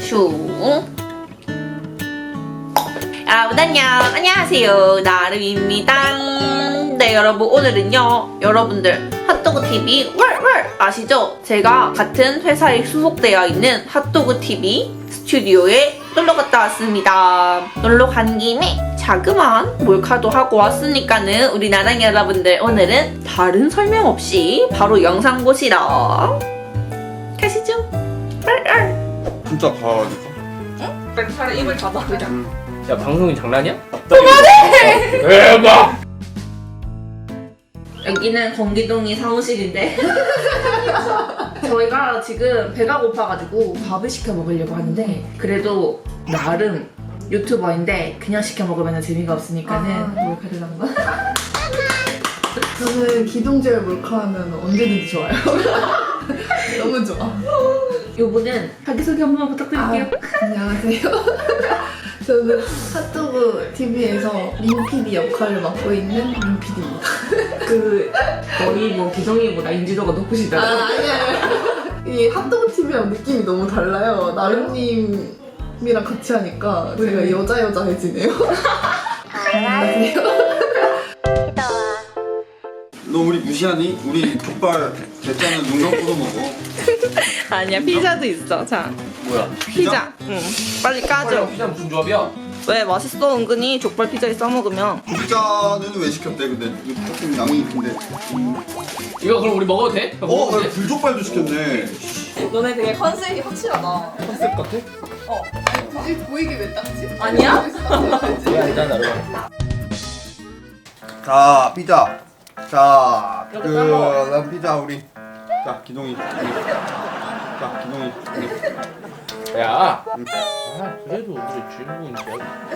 슝. 여러분 안녕하세요, 나름입니다. 네, 여러분 오늘은요, 여러분들 핫도그TV 왈왈 아시죠? 제가 같은 회사에 소속되어 있는 핫도그TV 스튜디오에 놀러 갔다 왔습니다. 놀러 간 김에 자그마한 몰카도 하고 왔으니까는 우리 나랑 여러분들 오늘은 다른 설명 없이 바로 영상 보시러 가시죠. 진짜 가라니까. 응? 차라리 입을 닫아 그냥. 야, 방송이 장난이야? 그만해! 대박! 여기는 건기동이 사무실인데 저희가 지금 배가 고파가지고 밥을 시켜 먹으려고 하는데, 그래도 나름 유튜버인데 그냥 시켜 먹으면 재미가 없으니까는 몰카를 한번. 저는 기동제를 몰카하면 언제든지 좋아요. 너무 좋아. 요분은 자기소개 한번 부탁드릴게요. 안녕하세요. 저는 핫도그 TV에서 민 PD 역할을 맡고 있는 민 PD입니다. 거의 뭐 기동이보다 인지도가 높으시다고. 아니야. 이 핫도그 TV랑 느낌이 너무 달라요. 나름님이랑 같이 하니까 제가 여자해지네요. 안녕하세요. 너 우리 무시하니? 우리 족발 대짜는 눈 감고도 먹어. 아니야, 피자도 있어. 자, 뭐야? 피자. 응, 빨리 까줘. 피자 무슨 조합이야? 왜? 맛있어. 은근히 족발 피자에 싸먹으면. 불자는 왜 시켰대? 근데 이거 조금 양이 큰데. 이거 그럼 우리 먹어도 돼? 먹어도 돼? 불족발도 시켰네. 너네 되게 컨셉이 확실하다. 컨셉 같아? 굳이 보이게 왜 땄지? 아니야? 왜 아니잖아, 나름. 자, 피자. 자, 여기 따먹어. 난 피자 우리. 자, 기동이. 자, 기동이. 야! 그래도 우리 주인공인데.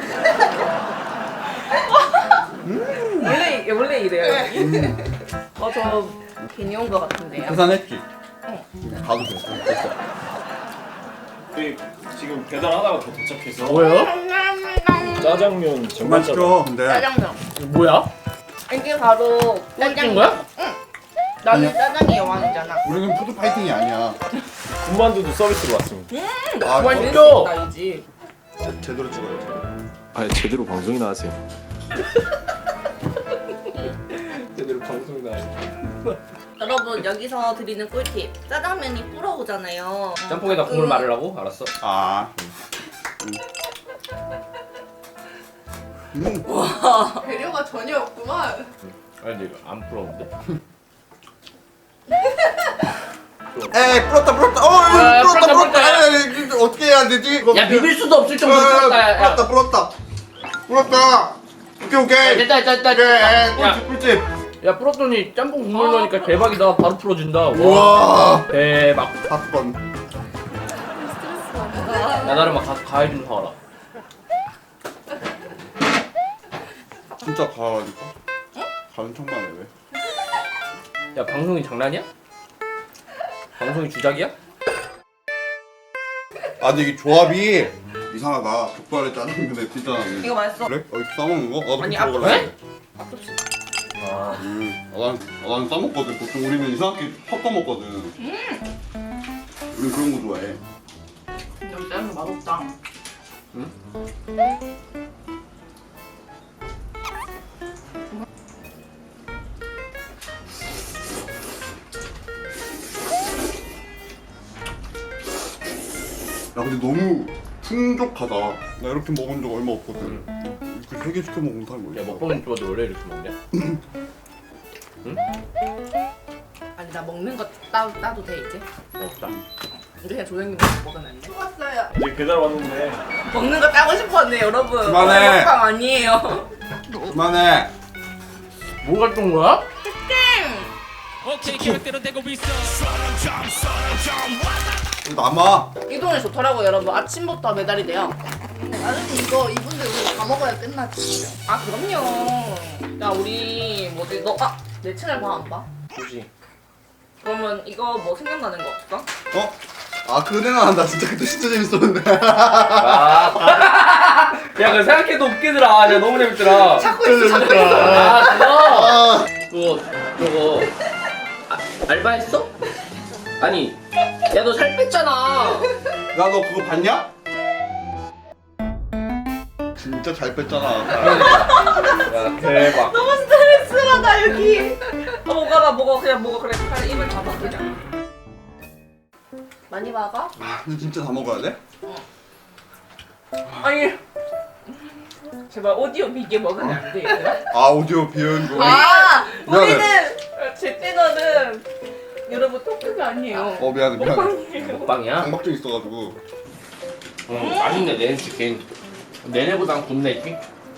원래 이래요. 저 괜히 온 것 같은데요. 계산했지? 응. 가도 됐어. 저희 지금 배달하다가 더 도착해서 뭐예요? 짜장면 정말 정말 시켜. 근데 짜장면. 뭐야? 이게 바로 꽂힌 거야? 나는 짜장이 여왕이잖아. 우리는 푸드 파이팅이 아니야. 군만두도 서비스로 왔습니다. 아, 완전! 나이지. 제대로 찍어야지. 아 제대로 방송이나 하세요. 제대로 방송 나와. 여러분, 여기서 드리는 꿀팁. 짜장면이 불어오잖아요. 짬뽕에다 국물 말으라고? 알았어. 아. 배려가 전혀 없구만. 아니 근데 이거 안 부러운데? 에이, 불었다. 아, 불었다. 에이, 어떻게 해야 되지? 야, 비빌 수도 없을 정도로 부럽다. 야. 불었다. 오케이. 됐다. 그래, 꿀집. 야, 풀었더니 짬뽕 국물 넣으니까 대박이다. 바로 풀어진다. 우와. 대박. 5번. 나 나름 막 가서 과일 좀 사와라. 진짜 가라니까. 가는 척만 해 왜? 야, 방송이 장난이야? 방송이 주작이야? 아 근데 이게 조합이 이상하다. 족발에 짜장면에 피자는. 이거 맛있어. 그래? 싸먹는 거? 나도 아니, 그렇게 먹을래. 아, 난 싸먹거든. 보통 우리는 이상하게 섞어 먹거든. 우린 그런 거 좋아해. 여기 짜장면 맛없다. 야 근데 너무 풍족하다. 나 이렇게 먹은 적 얼마 없거든. 이렇게 3개 시켜 먹은 사람이 야, 어딨어? 먹방 유튜버도 원래 이렇게 먹냐? 아니, 나 먹는 거 따도 돼 이제? 없다. 이제 그냥 조용히 먹으면 안 돼? 왔어요. 이제 배달 왔는데 먹는 거 따고 싶었네, 여러분. 그만해. 먹방 아니에요. 그만해. 뭐 갔던 거야? 이거 남아. 이 동네 좋더라고, 여러분. 아침부터 배달이 돼요. 나는 이거 이분들 우리 다 먹어야 끝나지. 아, 그럼요. 야, 우리 뭐지? 내 채널 봐, 안 봐? 굳이. 그러면 이거 뭐 생각나는 거 없어? 어? 아 그거 생각난다. 진짜 그때 진짜 재밌었는데. 아. 야, 그거 생각해도 웃기더라. 야, 너무 재밌더라. 찾고 있어. 아, 저거 알바했어? 아니, 야, 너 살 뺐잖아. 야 너 그거 봤냐? 진짜 잘 뺐잖아. 야 대박. 너무 스트레스받아 여기. 먹어 그냥 먹어 그래. 빨리 입을 닫아 그냥. 많이 먹어? 근데 진짜 다 먹어야 돼? 아니. 제발 오디오 비게 먹으면 안 돼. 아 오디오 비연 거. 아 미안해. 우리는 제 채널은 여러분 토크가 아니에요. 미안해. 먹방이야? 강박증 있어가지고. 맛있네 내내 치킨. 내내보단 굽네지.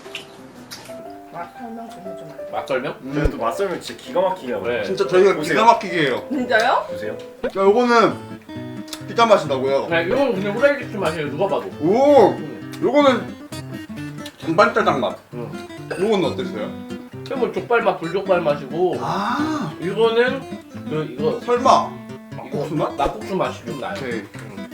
맛 설명 좀 해줘. 맛 설명? 그래도 맛설명 진짜 기가 막히게 하고. 그래. 진짜 저희가 보세요. 기가 막히게 해요. 진짜요? 보세요. 야 요거는 피자 맛이다고요. 야 이건 그냥 후라이드 치킨 맛이에요 누가 봐도. 오 요거는 전반짜장 맛. 응. 요거는 어땠어요? 그뭐 족발 맛 불족발 맛이고 아 이거는 이거 설마 막국수 맛? 막국수 맛이 좀 나요. 오케이.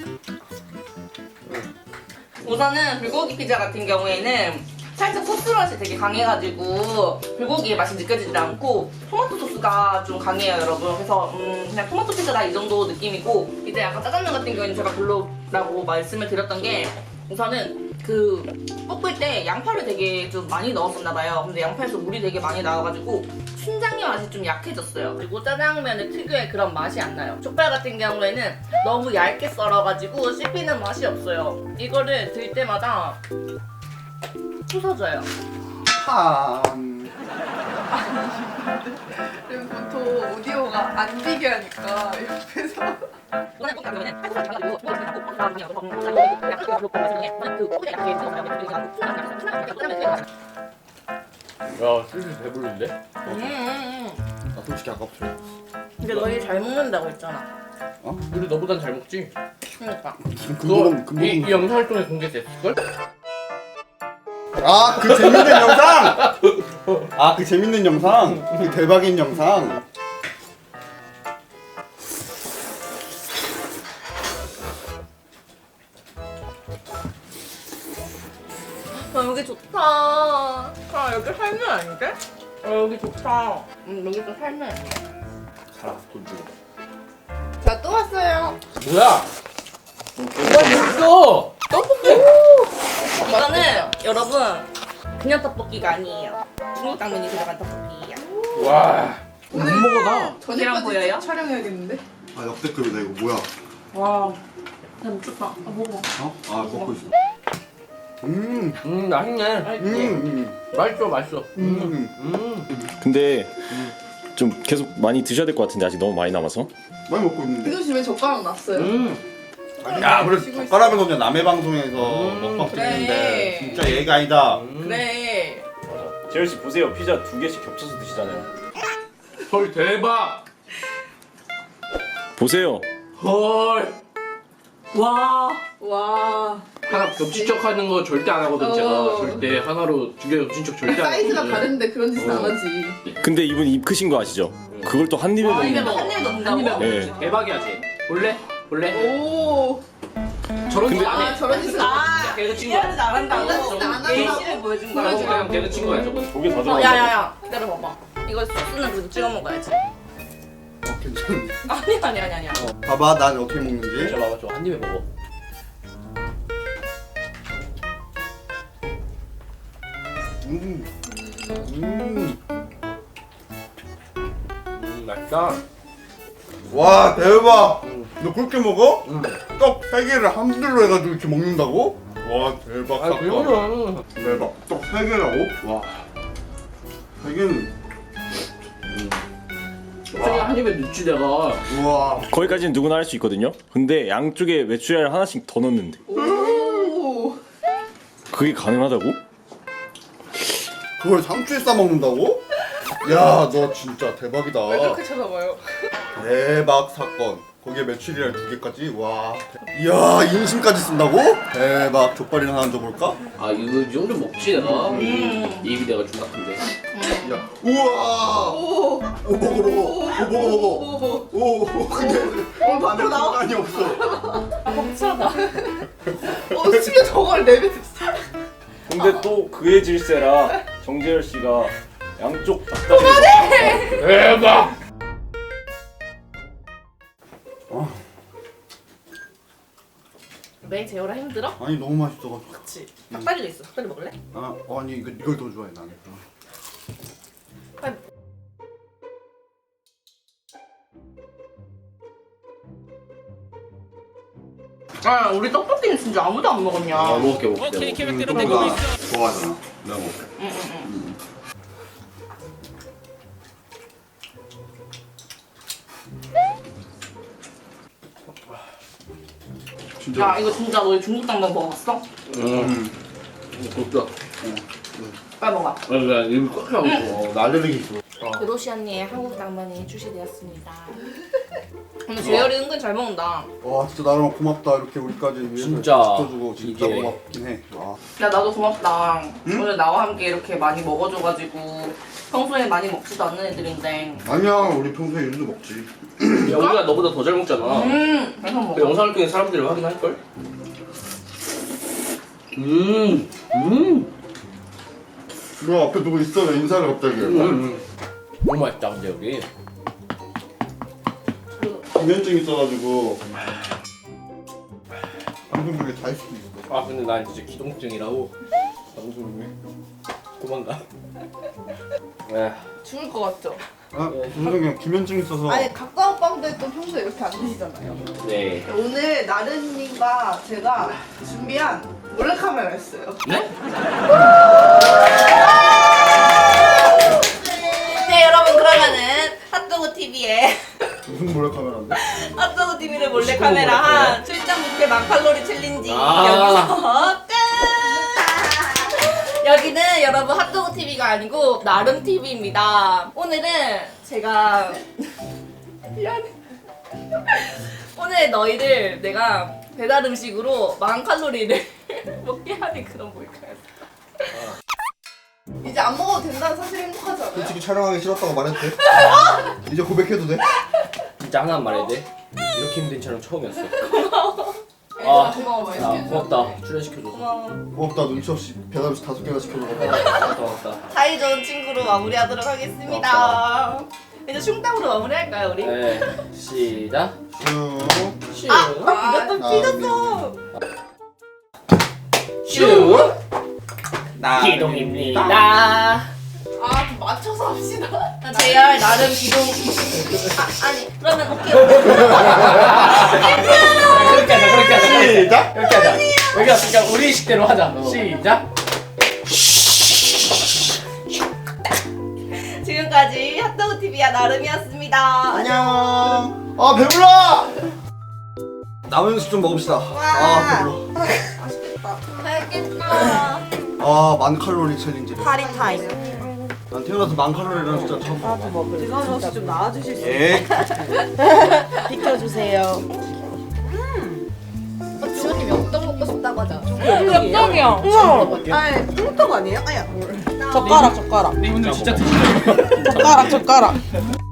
우선은 불고기 피자 같은 경우에는 살짝 소스 맛이 되게 강해가지고 불고기의 맛이 느껴지지 않고 토마토 소스가 좀 강해요 여러분. 그래서 그냥 토마토 피자다 이 정도 느낌이고 이제 약간 짜장면 같은 경우에는 제가 별로라고 말씀을 드렸던 게 우선은 그 볶을 때 양파를 되게 좀 많이 넣었었나 봐요. 근데 양파에서 물이 되게 많이 나와가지고 춘장의 맛이 좀 약해졌어요. 그리고 짜장면의 특유의 그런 맛이 안 나요. 족발 같은 경우에는 너무 얇게 썰어가지고 씹히는 맛이 없어요. 이거를 들 때마다 부서져요. 그리고 보통 오디오가 안 비게 하니까 옆에서 야 슬슬 배부른데? 나 솔직히 아깝죠. 근데 너희 잘 먹는다고 했잖아. 우리 너보단 잘 먹지? 그러니까. 그거 이 영상을 통해 공개됐을걸? 아 그 재밌는 영상. 아 그 재밌는 영상. 그 대박인 영상. 여기 좋다. 아 여기 살면 아닌데? 여기 좋다. 여기도 살면. 살아 돈 주고. 자 또 왔어요. 뭐야? 뭐야 있어? 이거는 여러분 그냥 떡볶이가 아니에요. 중국 당면이 들어간 떡볶이야. 와. 못 먹어 나. 이랑 보여요? 촬영해야겠는데? 아 역대급이다 이거 뭐야? 와. 야 미쳤다. 아 먹어. 어? 아 먹고 있어. 맛있네. 맛있어 맛있어. 근데 좀 계속 많이 드셔야 될 것 같은데 아직 너무 많이 남아서. 많이 먹고 있는데. 이도 집에 젓가락 놨어요. 야 우리 젓가락은 그냥 남의 방송에서 먹방 그래. 찍는데 진짜 얘가 아니다. 그래. 재열 씨 보세요. 피자 2개씩 겹쳐서 드시잖아요. 헐 대박. 보세요. 헐. 와. 와 하나 겹친 척 하는 거 절대 안 하거든 제가. 절대 하나로 2개 겹친 척 절대 안 사이즈가 하거든. 다른데 그런 짓은 안 하지. 근데 이분 입 크신 거 아시죠? 그걸 또 한 입에 한 입에 먹는. 먹어. 한 입에 넣는다고? 네. 대박이야 쟤. 볼래? 볼래? 오. 저런 근데- 거 안 아 해. 저런 짓은 안 아, 걔는 친구야. 이해하지 안 한다고. 이해하지 안 한다. 예시를 보여준 거야. 저런 거랑 걔는 친구야 저거. 2개 더 들어가. 야야야. 기다려봐봐. 이거 소스는 그래도 찍어 먹어야지. 괜찮아. 아니야. 봐봐 난 어떻게 먹는지. 저 봐봐 저 한 입에 먹어. 맛있다. 와 대박. 음. 너 그렇게 먹어? 음. 떡 3개를 한 줄로 해가지고 이렇게 먹는다고? 와 대박 아 사건. 그러면 대박. 떡 3개라고? 와 3개는 갑자기 한 입에 넣지 내가. 우와. 거기까지는 누구나 할 수 있거든요. 근데 양쪽에 메추리알 하나씩 더 넣는데 오. 그게 가능하다고? 그걸 상추에 싸 먹는다고? 야 너 진짜 대박이다. 왜 그렇게 쳐다봐요? 대박 사건. 거기에 메추리알 2개까지. 와. 이야 인심까지 쓴다고? 대박. 족발이나 하나 줘볼까? 아 이거 이 정도 먹지 내가. 입이 내가 중학인데. 야. 우와. 오. 오 먹어. 오 근데 반대 공간이 없어. 벅차다. 심지어 저걸 내뱉었어. 근데 또 그의 질세라 정재열 씨가 양쪽 닭다리. 대박. 왜 재열아 힘들어? 아니 너무 맛있어가지고. 그치. 닭다리도 있어. 닭다리 먹을래? 아니 이걸 더 좋아해 나는. 아 우리 떡볶이는 진짜 아무도 안 먹었냐? 먹을게. 너가 좋아하잖아. 내가 먹을게. 진짜. 야 이거 진짜 너희 중국 당면 먹어봤어? 좋다. 빨리 먹어. 나 입이 꽉 차고 있어. 나 알레르기 있어. 그로시 언니의 한국 당면이 출시되었습니다. 근데 재열이 은근 잘 먹는다. 와 진짜 나름 고맙다 이렇게 우리까지 위해서 진짜 지켜주고 진짜 이게- 고맙긴 해. 와. 야 나도 고맙다. 오늘 나와 함께 이렇게 많이 먹어줘가지고 평소에 많이 먹지도 않는 애들인데. 아니야 우리 평소에 윤도 먹지. 야, 우리가 너보다 더 잘 먹잖아. 그래서 그 먹어. 영상을 통해 사람들이 확인할걸? 너 앞에 누구 있어 왜 인사를 갑자기? 너무 맛있다 근데 여기. 기면증 있어가지고 방송 중에 잘 수도 있어. 아 근데 난 진짜 기동증이라고. 방송 중에 도망가. 에. 죽을 것 같죠? 아 윤석이 기면증 있어서. 아니 가까운 빵들도 평소에 이렇게 안 드시잖아요. 네. 오늘 나른님과 제가 준비한 몰래카메라였어요. 네? 네 여러분 그러면은 핫도그 TV에 무슨 몰래카메라인데? 핫도그 TV를 몰래 카메라한 출장 뷔페 만칼로리 챌린지 아. 여기서 끝. 여기는 여러분 핫도그 TV가 아니고 나름 TV입니다. 오늘은 제가 미안해. 오늘 너희들 내가 배달 음식으로 10,000칼로리를 먹게 하는 그런 몰카였어. 이제 안 먹어도 된다는 사실 행복하지 않아요? 솔직히 촬영하기 싫었다고 말했대. 이제 고백해도 돼? 진짜 하나만 말해야 돼. 이렇게 힘든 촬영 처음이었어. 아, 고마워 많이 아 시켜줘서. 고맙다. 출연시켜줘서. 고마워. 고맙다 눈치 없이 배달 음식 5개나 시켜줘서. 고맙다. 사이좋은 친구로 마무리하도록 하겠습니다. 이제 슝땅으로 마무리할까요 우리? 네. 시작. 슈. 슈. 이것도 아, 삐졌어. 슈. 기동입니다. 아, 좀 맞춰서 합시다. JR 나름 기동. 아니 그러면 오케이. 그렇게 하자. 그렇게 하자. 시작. 이렇게 하자. 여기 왔으니까 우리 식대로 하자. 시작. 지금까지 핫도그 TV야 나름이었습니다. 안녕. 아 배불러. 남은 음식 좀 먹읍시다. 아 배불러. 알겠다. 아 10,000칼로리 챌린지. 파리 타임. 난 태어나서 10,000칼로리라는 숫자 처음 봐. 지선 씨 좀 나와주실 수 예. 비켜주세요. 지원님이 어떤 먹고 싶다고 하잖아. 엽떡이야. 우와. 아니 뚱떡 아니에요? 아야. 젓가락. 네 분들 진짜 드시죠. 젓가락.